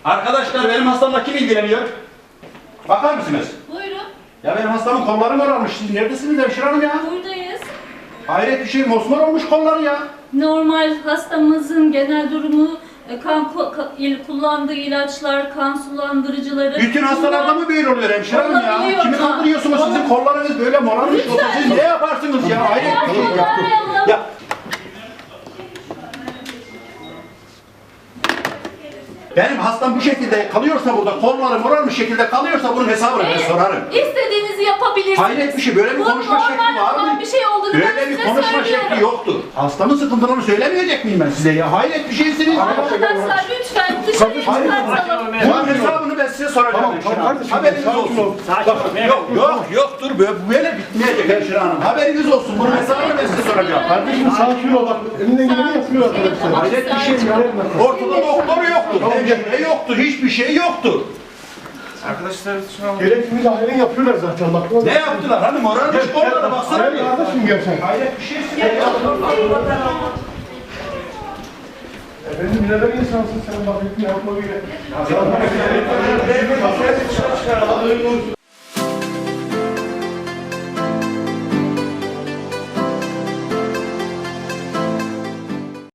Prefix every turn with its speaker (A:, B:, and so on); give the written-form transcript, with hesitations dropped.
A: Arkadaşlar benim hastamla kim ilgileniyor? Bakar mısınız?
B: Buyurun.
A: Ya benim hastamın kolları morarmış. Siz neredesiniz hemşire hanım ya?
B: Buradayız.
A: Hayret bir şey, mosmor olmuş kolları ya.
B: Normal hastamızın genel durumu kullandığı ilaçlar, kan sulandırıcıları.
A: Bütün hastalarda mı böyle oluyor hemşire hanım ya?
B: Olabiliyor
A: Kimi
B: da.
A: kandırıyorsunuz? Sizin kollarınız böyle morarmış.
B: Lütfen.
A: Siz ne yaparsınız ya? Hayret bir şey ya. Ya benim hastam bu şekilde kalıyorsa burada, kolları morarmış şekilde kalıyorsa bunun hesabını ben sorarım.
B: İstediğinizi yapabilirsiniz.
A: Hayret bir şey, böyle bir
B: Bu
A: konuşma şekli
B: normal
A: var
B: olan
A: mı?
B: bir şey olduğunu ben
A: Böyle bir
B: size
A: konuşma
B: söylüyorum.
A: şekli yoktur. Hastamın sıkıntılarını söylemeyecek miyim ben size ya? Hayret bir şeysiniz.
B: Arkadaşlar lütfen dışarı çıkartalım.
A: Bunun hesabını ben size soracağım.
C: Tamam,
A: hemşire hanım.
C: kardeşim,
A: Haberiniz
C: sakin
A: olsun.
C: ol.
A: Yoktur. Böyle bitmeyecek hemşire hanım. Haberiniz olsun. Bunun hesabını ben size soracağım.
C: Kardeşim sakin ol bak. Elinden geleni yapıyor arkadaşlar.
A: Hayret bir şey ya. Ortada doktoru yoktur. Hemşire yoktur. Hiçbir şey yoktur.
D: Arkadaşlar şu an
C: Gerekli müdahaleni yapıyorlar zaten bak.
A: Ne yaptılar? Hani morarmış kollara baksana bir.
C: Kardeşim gel sen.
A: Hayret bir şeysin ya.
C: Efendim neden insansın sen bak hükmü yapma bile.